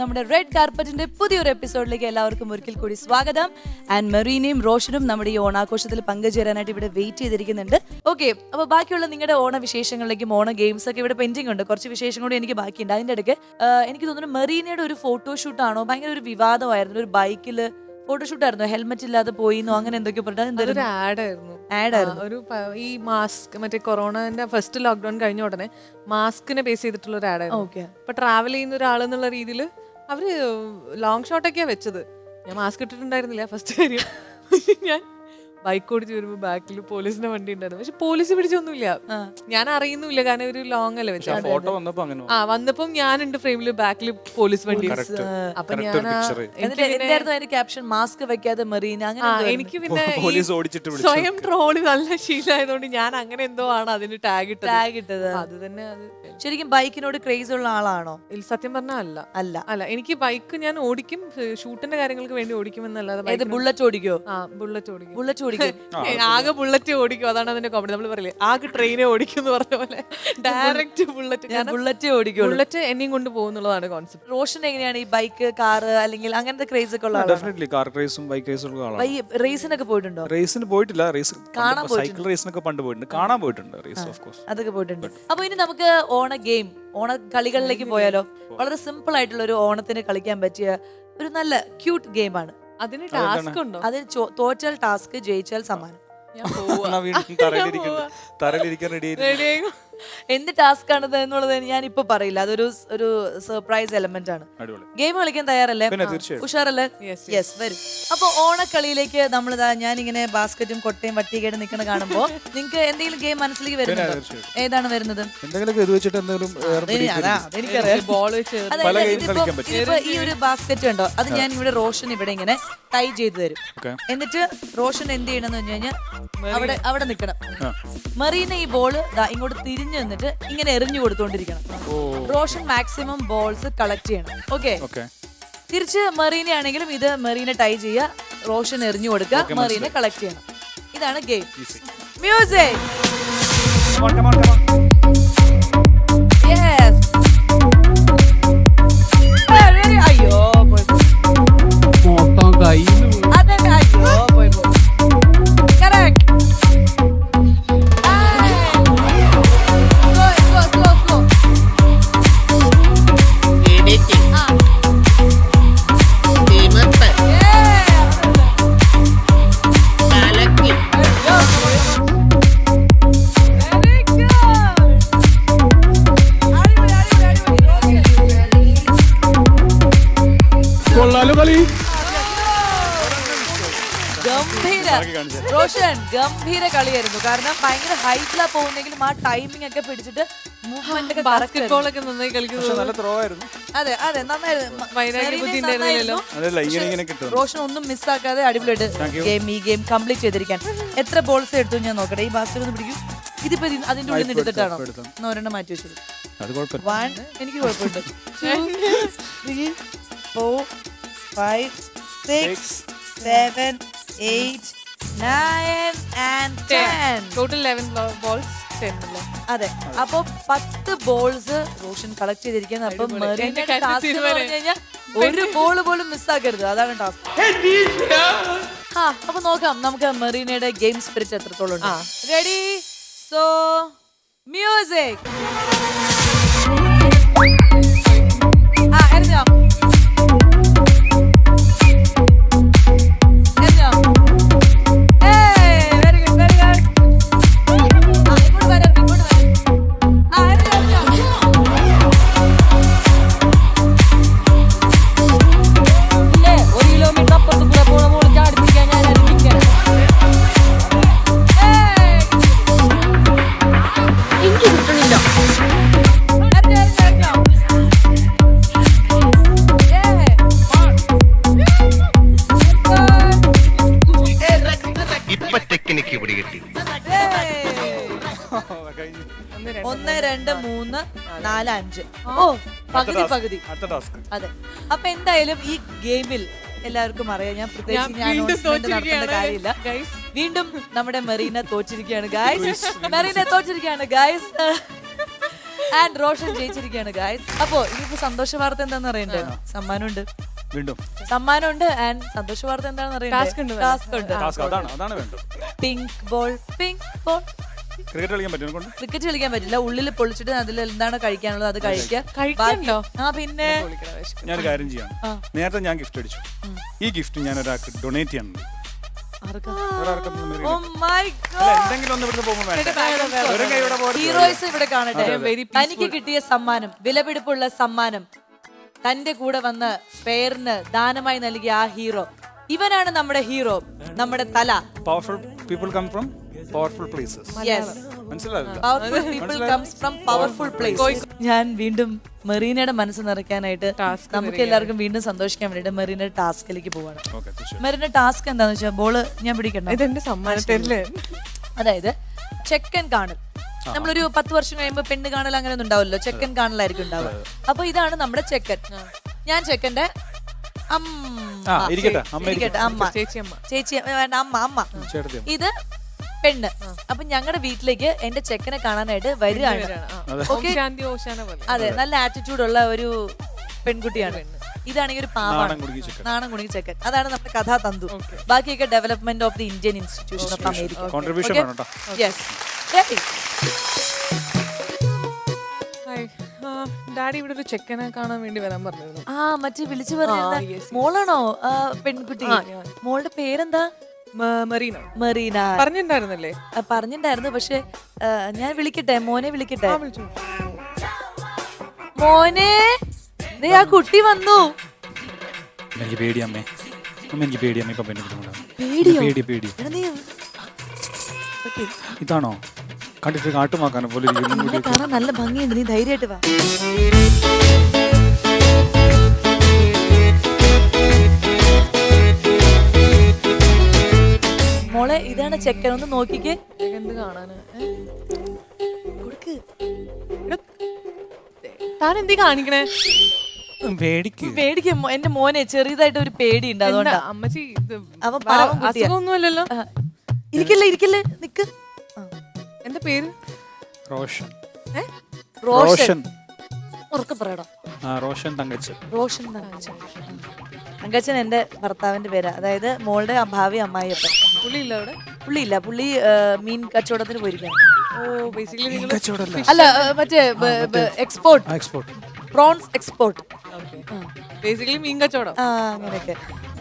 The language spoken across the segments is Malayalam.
നമ്മുടെ റെഡ് കാർപ്പറ്റിന്റെ പുതിയൊരു എപ്പിസോഡിലേക്ക് എല്ലാവർക്കും ഒരിക്കൽ കൂടി സ്വാഗതം. ആൻഡ് മെറീനയും റോഷനും നമ്മുടെ ഈ ഓണാഘോഷത്തിൽ പങ്കുചേരാനായിട്ട് ഇവിടെ വെയിറ്റ് ചെയ്തിരിക്കുന്നുണ്ട്. ഓക്കെ, അപ്പോൾ ബാക്കിയുള്ള നിങ്ങളുടെ ഓണ വിശേഷങ്ങളിലേക്കും ഓണ ഗെയിംസ് ഒക്കെ ഇവിടെ പെൻഡിങ് ഉണ്ട്. കുറച്ച് വിശേഷം കൂടി എനിക്ക് ബാക്കിയുണ്ട്. അതിൻ്റെ ഇടയ്ക്ക് എനിക്ക് തോന്നുന്നു മെറീനയുടെ ഒരു ഫോട്ടോഷൂട്ടാണോ, ഭയങ്കര ഒരു വിവാദമായിരുന്നു. ഒരു ബൈക്കിൽ ഫോട്ടോഷൂട്ട് ആയിരുന്നു, ഹെൽമെറ്റ് ഇല്ലാതെ പോയിന്നോ അങ്ങനെ എന്തൊക്കെ പറഞ്ഞിട്ട് ഒരു ഈ മാസ്ക് മറ്റേ കൊറോണന്റെ ഫസ്റ്റ് ലോക്ക്ഡൌൺ കഴിഞ്ഞ ഉടനെ മാസ്കിനെ ബേസ് ചെയ്തിട്ടുള്ള ഒരു ആഡായിരുന്നു. അപ്പൊ ട്രാവൽ ചെയ്യുന്ന ഒരാളെന്നുള്ള രീതിയിൽ അവര് ലോങ് ഷോട്ടൊക്കെയാ വെച്ചത്. ഞാൻ മാസ്ക് ഇട്ടിട്ടുണ്ടായിരുന്നില്ല ഫസ്റ്റ് കാര്യം. ഞാൻ ബൈക്ക് ഓടിച്ച് വരുമ്പോ ബാക്കിൽ പോലീസിന്റെ വണ്ടി ഉണ്ടായിരുന്നു. പക്ഷെ പോലീസ് പിടിച്ചൊന്നുമില്ല, ഞാൻ അറിയുന്നില്ല, കാരണം ഒരു ലോങ് അല്ലേ വെച്ചാൽ. വന്നപ്പം ഞാനുണ്ട് ഫ്രെയിമില്, ബാക്കിൽ പോലീസ് വണ്ടി. അപ്പൊ ഞാൻ മാസ്ക് വെക്കാതെ മെറീന അങ്ങനെ എനിക്ക് പിന്നെ സ്വയം ട്രോളി നല്ല ശീലമായതുകൊണ്ട് ഞാൻ അങ്ങനെ എന്തോ ആണ് അതിന് ടാഗ് ഇട്ടത്. അത് തന്നെ. അത് ശരിക്കും ബൈക്കിനോട് ക്രേസ് ഉള്ള ആളാണോ? സത്യം പറഞ്ഞാൽ അല്ല. എനിക്ക് ബൈക്ക് ഞാൻ ഓടിക്കും, ഷൂട്ടിന്റെ കാര്യങ്ങൾക്ക് വേണ്ടി ഓടിക്കും എന്നല്ലാതെ. ബുള്ളറ്റ് ഓടിക്കോ? ബുള്ളറ്റ് ആകെ ബുള്ളറ്റ് ഓടിക്കും, അതാണ് അതിന്റെ കോമഡി. നമ്മൾ പറയില്ലേ ആകെ ട്രെയിനെ ഓടിക്കും എന്ന് പറഞ്ഞ പോലെ ഡയറക്റ്റ് ബുള്ളറ്റ് എന്നെയും കൊണ്ട് പോകുന്നുള്ളതാണ് കോൺസെപ്റ്റ്. റോഷൻ എങ്ങനെയാണ് ഈ ബൈക്ക്, കാർ അല്ലെങ്കിൽ അങ്ങനത്തെ ക്രേസ് ഒക്കെ ഉള്ള ഡെഫിനറ്റ്ലി കാർ റേസും ബൈക്ക് റേസും ഉള്ള ആളാണ്. റേസിനൊക്കെ പോയിട്ടുണ്ടോ? റേസിന് പോയിട്ടില്ല, സൈക്കിൾ റേസിനൊക്കെ പണ്ട് പോയിട്ടുണ്ട്, കാണാൻ പോയിട്ടുണ്ട്, റേസ് ഓഫ് കോഴ്സ് അതൊക്കെ പോയിട്ടുണ്ട്. അപ്പൊ ഇനി നമുക്ക് ഓണ ഗെയിം, ഓണ കളികളിലേക്ക് പോയാലോ? വളരെ സിമ്പിൾ ആയിട്ടുള്ള ഒരു ഓണത്തിന് കളിക്കാൻ പറ്റിയ ഒരു നല്ല ക്യൂട്ട് ഗെയിമാണ്. അതിന് ടാസ്ക് ഉണ്ടോ? അതിന് തോറ്റാൽ ടാസ്ക്, ജയിച്ചാൽ സമ്മാനം. എന്ത് ടാസ്ക് ആണ് എന്നുള്ളത് ഞാൻ ഇപ്പൊ പറയില്ല, അതൊരു സർപ്രൈസ് എലമെന്റ് ആണ്. ഗെയിം കളിക്കാൻ തയ്യാറല്ലേ? ഉഷാറല്ലേ? യെസ്, വരും. അപ്പൊ ഓണക്കളിയിലേക്ക് നമ്മളിതാ, ഞാനിങ്ങനെ ബാസ്കറ്റും കൊട്ടയും വട്ടിയൊക്കെ നിൽക്കുന്ന കാണുമ്പോ നിങ്ങൾക്ക് എന്തെങ്കിലും ഗെയിം മനസ്സിലേക്ക് വരുന്നുണ്ടോ? ഏതാണ് വരുന്നത്? ഈ ഒരു ബാസ്കറ്റ് ഉണ്ടോ, അത് ഞാൻ ഇവിടെ റോഷൻ ഇവിടെ ഇങ്ങനെ ടൈ ചെയ്ത് തരും. എന്നിട്ട് റോഷൻ എന്ത് ചെയ്യണമെന്ന് വെച്ച് കഴിഞ്ഞാൽ അവിടെ നിൽക്കണം. മെറീന ഈ ബോള് ഇങ്ങോട്ട് തിരിഞ്ഞു നിന്നിട്ട് ഇങ്ങനെ എറിഞ്ഞു കൊടുത്തോണ്ടിരിക്കണം. റോഷൻ മാക്സിമം ബോൾസ് കളക്ട് ചെയ്യണം. ഓക്കെ, തിരിച്ച് മെറീന ആണെങ്കിലും ഇത് മെറീന ടൈ ചെയ്യുക, റോഷൻ എറിഞ്ഞു കൊടുക്കുക, മെറീന കളക്ട് ചെയ്യണം. ഇതാണ് ഗെയിം. മ്യൂസിക്. യെസ്. അയ്യോ അതെ, അയ്യോ പോയി. കറക്റ്റ്. റോഷൻ ഗംഭീര കളിയായിരുന്നു. കാരണം ഭയങ്കര ഹൈറ്റിലാ പോകുന്നെങ്കിലും ആ ടൈമിംഗ് ഒക്കെ പിടിച്ചിട്ട് മൂവ്മെന്റ് ഒക്കെ ബാസ്കറ്റ്ബോൾ ഒക്കെ നന്നായി കളിക്കുന്നത്. അതെ അതെ, നന്നായിരുന്നു. റോഷൻ ഒന്നും മിസ്സാക്കാതെ അടിപൊളിയായിട്ട് ഈ ഗെയിം കംപ്ലീറ്റ് ചെയ്തിരിക്കാൻ. എത്ര ബോൾസ് എടുത്തു ഞാൻ നോക്കട്ടെ. ഈ ബാസ്കറ്റ് ഒന്ന് പിടിക്കും. ഇതിപ്പോ അതിന്റെ ഉള്ളിൽ നിന്ന് എടുത്തിട്ടാണോ? ഒരെണ്ണം മാറ്റി വെച്ചത്. 1, എനിക്ക് കുഴപ്പമുണ്ട്. 2, 3, 4, 5, 6, 7, 8, 9 and 10. Total 11 balls. അതെ, അപ്പൊ 10 ബോൾസ് റോഷൻ കളക്ട് ചെയ്തിരിക്കുന്നത്. അപ്പൊ മെറീനയുടെ ടാസ്ക് എന്ന് പറഞ്ഞു കഴിഞ്ഞാൽ ഒരു ബോൾ പോലും മിസ്സാക്കരുത്, അതാണ് ടാസ്ക്. അപ്പൊ നോക്കാം നമുക്ക് മെറീനയുടെ ഗെയിം സ്പിരിറ്റ് എത്രത്തോളം ഉണ്ട്. Ready, so music. എറിഞ്ഞോ? ഒന്ന്, 2, 3, 4, 5. ഓ, പകുതി. അതെ, അപ്പൊ എന്തായാലും ഈ ഗെയിമിൽ എല്ലാവർക്കും അറിയാം, ഞാൻ പ്രത്യേകിച്ച് നടത്തേണ്ട കാര്യമില്ല. വീണ്ടും നമ്മുടെ മെറീന തോറ്റിരിക്കുകയാണ് ഗൈസ്. ആൻഡ് റോഷൻ ജയിച്ചിരിക്കുകയാണ് ഗായ്സ്. അപ്പോ ഇനിയിപ്പോ സന്തോഷ വാർത്ത എന്താന്ന് അറിയണ്ടേ? സമ്മാനമുണ്ട്, വീണ്ടും സമ്മാനമുണ്ട്. ആൻഡ് സന്തോഷ വാർത്ത എന്താണെന്ന് അറിയണ്ടേ? ടാസ്ക് ഉണ്ട്. അതാണ് വേണ്ടത്. Pink ball, pink ball. Cricket കളിക്കാൻ പറ്റും. ക്രിക്കറ്റ് കളിക്കാൻ പറ്റില്ല. ഉള്ളിൽ പൊളിച്ചിട്ട് അതിൽ എന്താണ് കഴിക്കാനുള്ളത് അത് കഴിക്കാനുണ്ടോ? ആ പിന്നെ ഞാനൊരു കാര്യം ചെയ്യാം. നേരത്തെ ഞാൻ ഗിഫ്റ്റ് അടിച്ചു. ഈ ഗിഫ്റ്റ് ഞാൻ ഒരാൾക്ക് ഡൊണേറ്റ് ചെയ്യാൻ ഹീറോയിസ് ഇവിടെ കാണട്ടെ. തനിക്ക് കിട്ടിയ സമ്മാനം, വിലപിടിപ്പുള്ള സമ്മാനം, തന്റെ കൂടെ വന്ന സ്പെയറിന് ദാനമായി നൽകിയ ആ ഹീറോ, ഇവനാണ് നമ്മുടെ ഹീറോ, നമ്മുടെ തല. Powerful people come from powerful places. Yes, മനസ്സിലായില്ല? Powerful people comes from powerful place. ഞാൻ വീണ്ടും മെറീനയുടെ മനസ്സ് നിറയ്ക്കാനായിട്ട് നമുക്ക് എല്ലാവർക്കും വീണ്ടും സന്തോഷിക്കാൻ വേണ്ടിട്ട് മെറീനയുടെ ടാസ്കിലേക്ക് പോവാണ്. മെറീനയുടെ ടാസ്ക് എന്താന്ന് വെച്ചാൽ ബോള് ഞാൻ പിടിക്കണം. ഇതെന്റെ സമ്മാനത്തില് അതായത് ചെക്കൻ കാണൽ. നമ്മളൊരു 10 വർഷം കഴിയുമ്പോ പെണ്ണ് കാണൽ അങ്ങനെ ഒന്നും ഉണ്ടാവില്ലല്ലോ, ചെക്കൻ കാണലായിരിക്കും ഉണ്ടാവുക. അപ്പൊ ഇതാണ് നമ്മുടെ ചെക്കൻ. ഞാൻ ചെക്കന്റെ ചേച്ചി വേണ്ട, അമ്മ. ഇത് പെണ്ണ്. അപ്പൊ ഞങ്ങളുടെ വീട്ടിലേക്ക് എന്റെ ചെക്കനെ കാണാനായിട്ട് വരികയാണ്. അതെ, നല്ല ആറ്റിറ്റ്യൂഡ് ഉള്ള ഒരു പെൺകുട്ടിയാണ്. ഇതാണെങ്കിൽ ഒരു പാവാണ്, നാണം കുണുങ്ങി ചെക്കൻ. അതാണ് നമ്മുടെ കഥാതന്തു. ബാക്കിയൊക്കെ development of the Indian institution of America. Daddy ഇവിടെ ഒരു ചെക്കനെ കാണാൻ വേണ്ടി വരാൻ പറഞ്ഞിരുന്നു. മറ്റേ വിളിച്ചു പറഞ്ഞ മോളാണോ പെൺകുട്ടി? മോളുടെ പേരെന്താ? മറീന. മറീന പറഞ്ഞിട്ടുണ്ടായിരുന്നല്ലേ? പറഞ്ഞിട്ടുണ്ടായിരുന്നു. പക്ഷെ ഞാൻ വിളിക്കട്ടെ, മോനെ വിളിക്കട്ടെ. മോനെ, ദേ ആ കുട്ടി വന്നു. എനിക്ക് പേടി അമ്മേ, എനിക്ക് പേടി അമ്മ. ഇപ്പൊ ഇതാണോ കണ്ടിട്ട് കാട്ടുമാക്കാനെ പോലെ കാണാൻ നല്ല ഭംഗിയുണ്ട്. നീ ധൈര്യമായിട്ട് വാ. മോളെ, ഇതാണ് ചെക്കൻ. ഒന്ന് നോക്കിക്കേ. എന്ത് കാണാന്? കൊടുക്ക്. താൻ എന്തി കാണിക്കണേ? പേടിക്കും. എന്റെ മോനെ ചെറിയതായിട്ട് ഒരു പേടി ഉണ്ട്, അതുകൊണ്ടാ. അമ്മച്ചി അവൻ പാവം കുട്ടിയാ. അസുഖമൊന്നുമല്ലല്ലോ. ഇരിക്കല്ലേ നിക്ക്. എന്താ പേര്? റോഷൻ. റോഷൻ. ഉറക്കെ പറയണം. റോഷൻ തങ്കച്ചൻ. റോഷൻ തങ്കച്ചൻ. തങ്കച്ചൻ എന്റെ ഭർത്താവിന്റെ പേരാ. അതായത് മോളുടെ ഭാവി അമ്മായിയപ്പൻ. പുള്ളിയില്ല അവിടെ? പുള്ളിയില്ല, പുള്ളി മീൻ കച്ചവടത്തിന് പോയിരിക്കാണ്. അല്ല, മറ്റേ എക്സ്പോർട്ട്, പ്രോൺസ് എക്സ്പോർട്ട്. ബേസിക്കലി മീൻ കച്ചവടം. അങ്ങനെയൊക്കെ.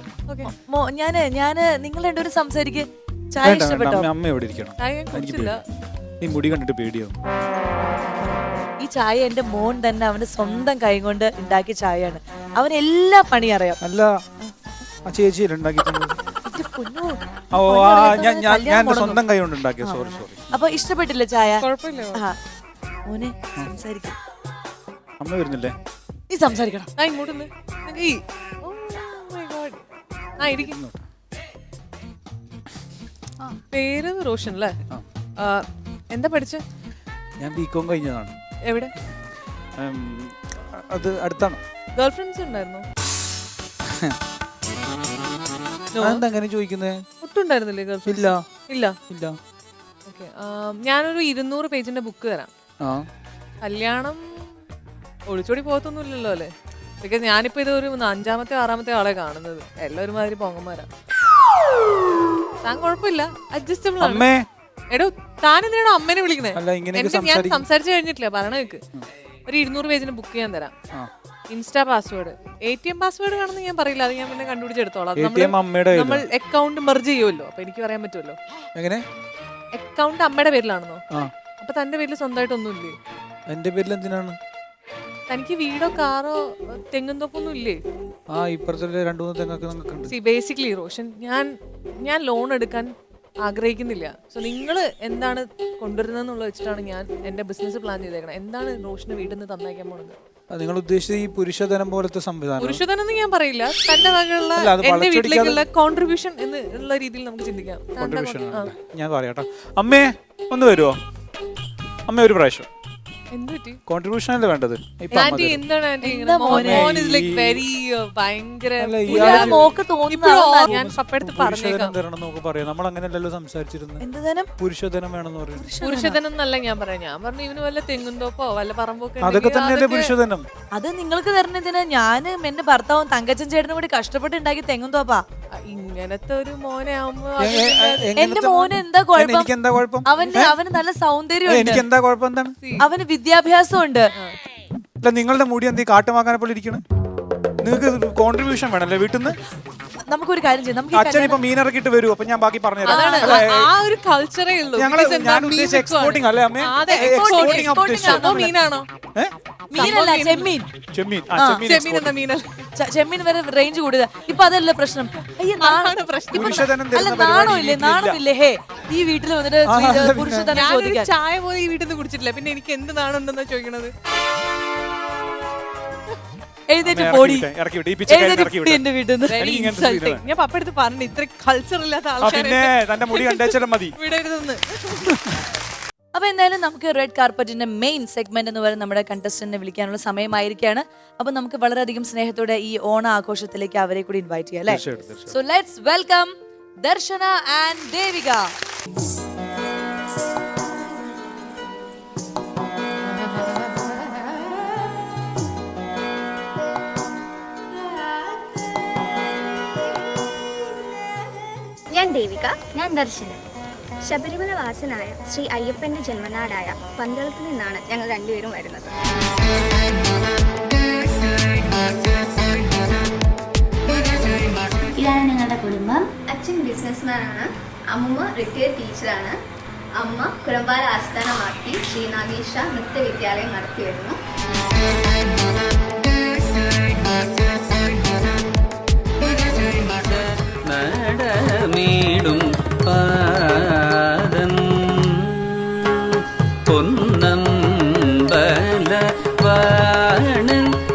ഞാന് നിങ്ങൾ രണ്ടുപേരും സംസാരിക്ക്. ചായ ഇഷ്ടപ്പെട്ടോ? അമ്മ എവിടെ ഇരിക്കണം? ഈ മുടി കണ്ടിട്ട് പേടിയാവും. ഈ ചായ എന്റെ മോൻ തന്നെ അവന്റെ സ്വന്തം കൈ കൊണ്ട് ഉണ്ടാക്കിയ ചായയാണ്. അവന് എല്ലാ പണി അറിയാം. അല്ല, ചേച്ചി സ്വന്തം കൈ കൊണ്ട് ഉണ്ടാക്കിയ. സോറി. അപ്പൊ ഇഷ്ടപ്പെട്ടില്ല ചായ? കുഴപ്പമില്ല. മോനെ സംസാരിക്കും. അമ്മ വരുന്നില്ലേ? നീ സംസാരിക്കണം. പേര് റോഷൻ അല്ലേ? എന്താ പഠിച്ച? ഞാൻ ബികോം കഴിഞ്ഞതാണ്. എവിടെ? അത് അടുത്താണ്. ഗേൾ ഫ്രണ്ട്സ് ഉണ്ടായിരുന്നോ? അങ്ങനെ ചോദിക്കുന്നേ? ഒട്ടും ഉണ്ടായിരുന്നില്ലേ ഗേൾ ഫ്രണ്ട്സ്? ഇല്ല. ഓക്കെ, ഞാനൊരു 200 പേജിന്റെ ബുക്ക് തരാം. കല്യാണം ഒളിച്ചോടി പോകത്തൊന്നുമില്ലല്ലോ അല്ലേ? ബിക്കോസ് ഞാനിപ്പോ ഇത് ഒരു 5-ാമത്തെ 6-ാമത്തെ ആളെ കാണുന്നത്. എല്ലാവരും മാതിരി പൊങ്ങന്മാരാ. താൻ കുഴപ്പമില്ല, അഡ്ജസ്റ്റബിൾ ആണ്. എടോ, താൻ എന്തിനാണോ അമ്മേനെ വിളിക്കുന്നേ? ഞാൻ സംസാരിച്ചു കഴിഞ്ഞിട്ടില്ല, പറയണ കേക്ക്. ഒരു 200 പേജിന് ബുക്ക് ചെയ്യാൻ തരാം. ഇൻസ്റ്റാ പാസ്വേഡ്, ATM പാസ്വേഡ് കാണുന്ന ഞാൻ പറയില്ല, അത് ഞാൻ പിന്നെ കണ്ടുപിടിച്ചെടുത്തോളാം. നമ്മൾ അക്കൗണ്ട് മെർജ് ചെയ്യുമല്ലോ, അപ്പൊ എനിക്ക് പറയാൻ പറ്റുമല്ലോ. എങ്ങനെ? അക്കൗണ്ട് അമ്മയുടെ പേരിലാണെന്നോ? അപ്പൊ തന്റെ പേരിൽ സ്വന്തമായിട്ടൊന്നുമില്ലേ? എന്റെ പേരിൽ എന്തിനാണ്? തനിക്ക് വീടോ കാറോ തെങ്ങുന്തോപ്പൊന്നും ഇല്ലേ? ബേസിക്കലി റോഷൻ, ഞാൻ ലോൺ എടുക്കാൻ ആഗ്രഹിക്കുന്നില്ല. സോ നിങ്ങൾ എന്താണ് കൊണ്ടുവരുന്നതെന്നുള്ള വെച്ചിട്ടാണ് ഞാൻ എന്റെ ബിസിനസ് പ്ലാൻ ചെയ്തേക്കണം. എന്താണ് റോഷന് വീട്ടിൽ നിന്ന് തന്നേക്കാൻ പോണത്? നിങ്ങൾ ഉദ്ദേശിച്ച ഈ പുരുഷധനം പോലത്തെ സംവിധാനം? പുരുഷധനം എന്ന് ഞാൻ പറയില്ല, തന്റെ വകയുള്ള എന്റെ വീട്ടിലേക്കുള്ള കോൺട്രിബ്യൂഷൻ എന്നുള്ള രീതിയിൽ നമുക്ക് ചിന്തിക്കാം. ഞാൻ പറയാട്ടോ. അമ്മേ ഒന്ന് വരുമോ? അമ്മ ഒരു പ്രാവശ്യം എന്ത് പറ്റി? കോൺട്രിബ്യൂഷൻ അല്ലേ വേണ്ടത്? ഇപ്പൊ ആന്റി എന്താണ് ആന്റി ഇങ്ങനെ? മോൻ is like very ഭയങ്കര മോക്ക് തോന്നുന്നു ഇപ്പോഴും ഞാൻ പപ്പടുത്ത് പറഞ്ഞേക്കാം. നമ്മൾ അങ്ങനെയല്ലല്ലോ സംസാരിച്ചിരുന്നത്. എന്ത് ധനം? പുരുഷധനം വേണമെന്ന് പറയും. പുരുഷധനം എന്നല്ല ഞാൻ പറയാം. ഞാൻ പറഞ്ഞു ഇവന് വല്ല തെങ്ങുന്തോപ്പോ വല്ല പറമ്പൊക്കെ അതൊക്കെ തന്നെയല്ലേ പുരുഷധനം. അത് നിങ്ങൾക്ക് തരണതിന് ഞാനും എന്റെ ഭർത്താവും തങ്കച്ചൻ ചേട്ടനും കൂടി കഷ്ടപ്പെട്ട് ഉണ്ടാക്കി തെങ്ങും തോപ്പാ. ഇങ്ങനത്തെ ഒരു മോനെ ആവുമ്പോ എന്റെ മോന് എന്താ കുഴപ്പം? എനിക്ക് എന്താ കുഴപ്പം? അവന് നല്ല സൗന്ദര്യം, എനിക്ക് എന്താ കുഴപ്പം? എന്താണ്? അവന് വിദ്യാഭ്യാസം ഉണ്ട്. നിങ്ങളുടെ മുടി എന്ത് കാട്ടുമാക്കാനെ പോലെ ഇരിക്കണം? നിങ്ങൾക്ക് കോൺട്രിബ്യൂഷൻ വേണല്ലേ വീട്ടിൽ നിന്ന്? നമുക്കൊരു കാര്യം ചെയ്യാം. നമുക്ക് അച്ഛൻ ഇപ്പൊ മീൻ ഇറക്കിട്ട് വരും, അപ്പൊ ഞാൻ ബാക്കി പറഞ്ഞുതരാം. ആ ഒരു കൾച്ചറേ ഉള്ളൂ. എക്സ്പോർട്ടിംഗ് അല്ലേ അമ്മേ? മീനാണോ? മീനല്ല, ചെമ്മീൻ. ചെമ്മീൻ എന്താ മീനല്ല? ചെമ്മീൻ വരെ റേഞ്ച് കൂടുതൽ. ഇപ്പൊ അതല്ല പ്രശ്നം. നാണമില്ലേ? ഹേ, ഈ വീട്ടിൽ വന്നിട്ട് പുരുഷധനം ചോദിക്കാൻ ചായ പോലും ഈ വീട്ടിൽ നിന്ന് കുടിച്ചിട്ടില്ല, പിന്നെ എനിക്ക് എന്ത് നാണുണ്ടെന്നാ ചോദിക്കണത്? എഴുന്നേറ്റ് പോടി എന്റെ വീട്ടിൽ നിന്ന്. ഞാൻ പപ്പടുത്ത് പറഞ്ഞു ഇത്ര കൾച്ചർ ഇല്ലാത്ത ആൾക്കാരെ വിടരുതെന്ന്. അപ്പൊ എന്തായാലും നമുക്ക് റെഡ് കാർപ്പറ്റിന്റെ മെയിൻ സെഗ്മെന്റ് എന്ന് പറയുന്നത് നമ്മുടെ കണ്ടസ്റ്റന്റിനെ വിളിക്കാനുള്ള സമയമായിരിക്കാണ്. അപ്പൊ നമുക്ക് വളരെയധികം സ്നേഹത്തോടെ ഈ ഓണ ആഘോഷത്തിലേക്ക് അവരെ കൂടി ഇൻവൈറ്റ് ചെയ്യാം അല്ലേ? So let's welcome Darshana and Devika. ഞാൻ ദേവിക. ഞാൻ ദർശന. ശബരിമല വാസനായ ശ്രീ അയ്യപ്പന്റെ ജന്മനാടായ പന്തളത്ത് നിന്നാണ് ഞങ്ങൾ രണ്ടുപേരും വരുന്നത്. ഇതാണ് ഞങ്ങളുടെ കുടുംബം. അച്ഛൻ ബിസിനസ്മാനാണ്, അമ്മൂമ്മ റിട്ടയർഡ് ടീച്ചറാണ്. അമ്മ കുരമ്പാല ആസ്ഥാനമാക്കി ശ്രീ നാഗേശ നൃത്തവിദ്യാലയം നടത്തി വരുന്നു. നടമീടും പാദം പൊന്നമ്പല വാണ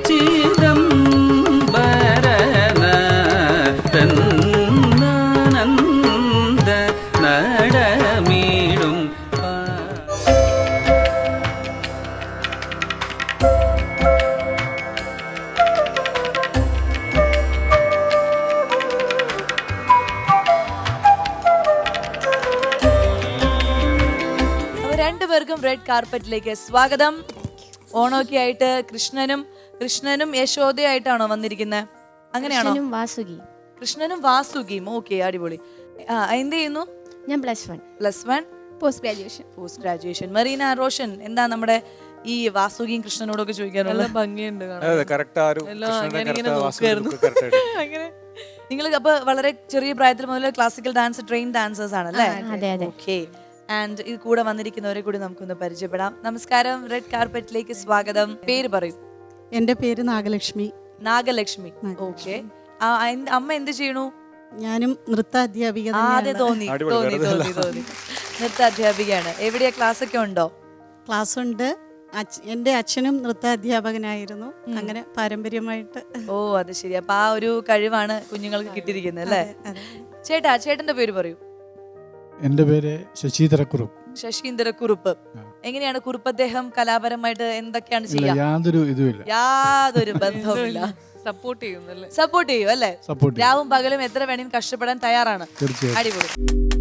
ചിദംബരനാനന്ദ നടമീടും രണ്ടുപേർക്കും റെഡ് കാർപ്പറ്റിലേക്ക് സ്വാഗതം. ഓണമൊക്കെ ആയിട്ട് കൃഷ്ണനും യശോദയായിട്ടാണോ വന്നിരിക്കുന്നത്? അങ്ങനെയാണോ? കൃഷ്ണനും വാസുകിയും. ഓക്കെ, അടിപൊളി. എന്ത് ചെയ്യുന്നു? ഞാൻ +1 പോസ്റ്റ് ഗ്രാജുവേഷൻ. മറീന, റോഷൻ, എന്താ നമ്മുടെ ഈ വാസുകിയും കൃഷ്ണനോടൊക്കെ ചോദിക്കാനുള്ള ഭംഗിയുണ്ട്? നിങ്ങൾ അപ്പൊ വളരെ ചെറിയ പ്രായത്തിൽ മുതൽ ക്ലാസിക്കൽ ഡാൻസ് ട്രെയിൻ ഡാൻസേഴ്സ് ആണല്ലേ? ഓക്കെ. ആൻഡ് ഇത് കൂടെ വന്നിരിക്കുന്നവരെ കൂടി നമുക്കൊന്ന് പരിചയപ്പെടാം. നമസ്കാരം, റെഡ് കാർപ്പറ്റിലേക്ക് സ്വാഗതം. പേര് പറയൂ. എന്റെ പേര് നാഗലക്ഷ്മി. ഓക്കെ. അമ്മ എന്ത് ചെയ്യണു? ഞാനും നൃത്താധ്യാപിക. തോന്നി നൃത്താധ്യാപികയാണ്. എവിടെയാ? ക്ലാസ് ഒക്കെ ഉണ്ടോ? ക്ലാസ് ഉണ്ട്. എന്റെ അച്ഛനും നൃത്താധ്യാപകനായിരുന്നു. അങ്ങനെ പാരമ്പര്യമായിട്ട്. ഓ, അത് ശരി. അപ്പൊ ആ ഒരു കഴിവാണ് കുഞ്ഞുങ്ങൾക്ക് കിട്ടിയിരിക്കുന്നത് അല്ലേ? ചേട്ടന്റെ പേര് പറയൂ. എന്റെ പേര് ശശീന്ദ്രക്കുറുപ്പ്. എങ്ങനെയാണ് കുറുപ്പ് അദ്ദേഹം കലാപരമായിട്ട് എന്തൊക്കെയാണ് ചെയ്യുക? യാതൊരു ബന്ധവുമില്ല. സപ്പോർട്ട് ചെയ്യുന്നല്ലേ? സപ്പോർട്ട് ചെയ്യും അല്ലേ? രാവും പകലും എത്ര വേണമെങ്കിലും കഷ്ടപ്പെടാൻ തയ്യാറാണ്. തീർച്ചയായും. അടിപൊളി.